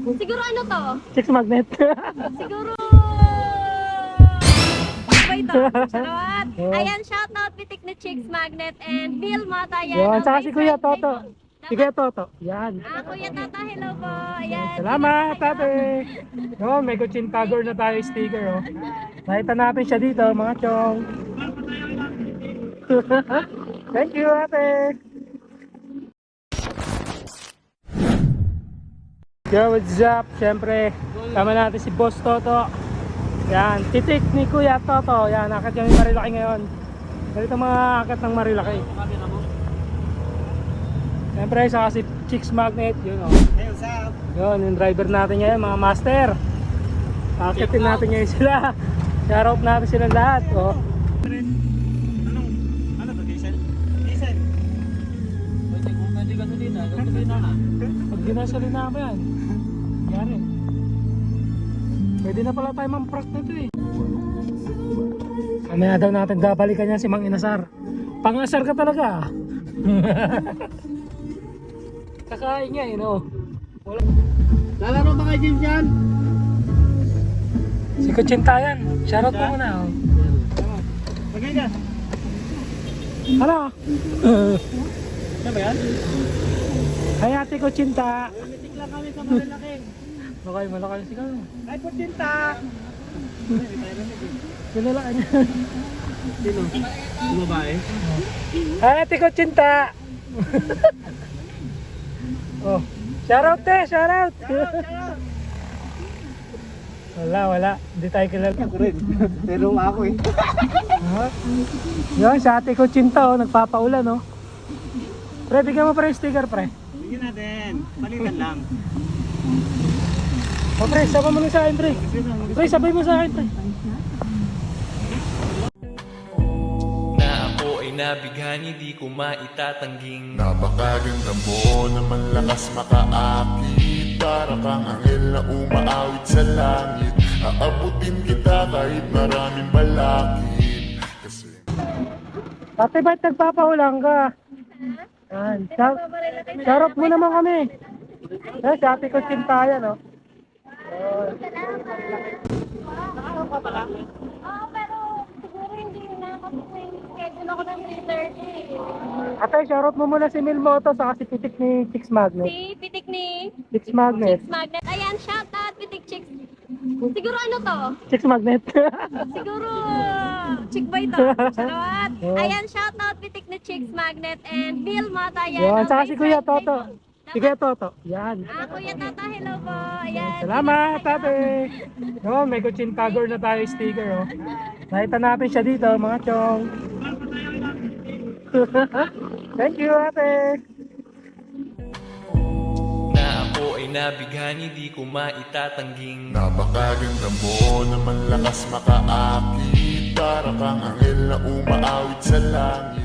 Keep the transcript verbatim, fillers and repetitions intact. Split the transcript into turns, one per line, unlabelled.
Siguro ano to?
Chicks magnet.
Siguro... Ano ba ito? Charot! Ayan, shoutout Pitik na Chicks Magnet and Bill Mata. Yan,
Yun,
ang
saka
may
si Kuya
friend
Toto.
din.
Si Kuya Toto. Yan.
Ah, Kuya Tata, hello po. Ayan.
Salamat,
sino pa kayo?
tate. Yun, may Kuchin Tagor na tayo sticker, oh. Nakita natin siya dito, mga chong. Thank you, ate. Yo, what's up? Siyempre, tama natin si Boss Toto. Yan, titik ni Kuya Toto. Yan, akit yung Marilaki ngayon. Ganito mga akit ng Marilaki. Siyempre, saka si Chicks Magnet. Yun, oh.
Hey, what's up?
Yun, yung driver natin ngayon, mga master. Akitin natin ngayon sila. Shoutout natin silang lahat. Oh.
Anong, ano to, diesel? Diesel.
Pwede kung pwede gasolina, gasolina na.
Pag ginasolina mo yan, yan. Pwede na pala tayo mampras nito eh. Mamaya daw natin babalikan yan si Mang Inasar. Pangasar ka talaga. Kakain niya eh, no? Wala.
Lalaro ba kayo James yan?
Si Kuchinta yan. Shoutout mo muna. Oh.
Pagay ka.
Hala.
Ano ba yan?
Hay ate Kuchinta.
Mitik lang kami sa Marilaki.
Malaki, malaki si Kano.
Ay, Putinta!
Pinalaan niya.
Sino? Yung babae?
Hay ate Kuchinta. Oh. Shoutout te, shoutout. Wala, wala. Hindi tayo kilala.
Ako rin. Pero ako eh.
Ha? Yun, sa ate Kuchinta, oh, nagpapaulan, no? Pre, bigyan mo pre yung sticker, pre.
Sige natin. Palitan lang.
O pre, sabay mo na sa akin, pre. Pre, sabay mo sa akin, pre.
Na ako ay nabighani, di ko maitatangging
Napakaganda mo naman lakas makaakit Para kang anghel na umaawit sa langit Aabutin kita kahit maraming balakid Kasi
Ate, ba't nagpapaulang ka? Yan. Shout, shoutout mo naman kami. Eh, sa ate Kuchinta yan, no?
Oo, pero siguro hindi na kasi may schedule ako ng three thirty.
Ate, shoutout mo muna si Milmoto sa si Pitik ni Chicks Magnet.
Si Pitik ni
Chicks Magnet.
Chicks Magnet. Ayan, shoutout Pitik Chicks. Siguro ano to?
Chicks Magnet.
Siguro chick boy to. Charot! Ayan, shoutout Pitik na Chicks Magnet and Bill Mata. Yan,
Yun,
ang
saka
may
si Kuya
friend din.
Toto. Si Kuya Toto. Yan.
Ah, Kuya Tata, hello po. Ayan.
Salamat,
sino pa kayo?
ate. Yun, may Kuchin Tagor na tayo sticker, oh. Nakita natin siya dito, mga chong. Thank you, ate.
Na ako ay nabighani, di ko maitatangging
Napakaganda mo naman lakas makaakit Para kang anghel na umaawit sa langit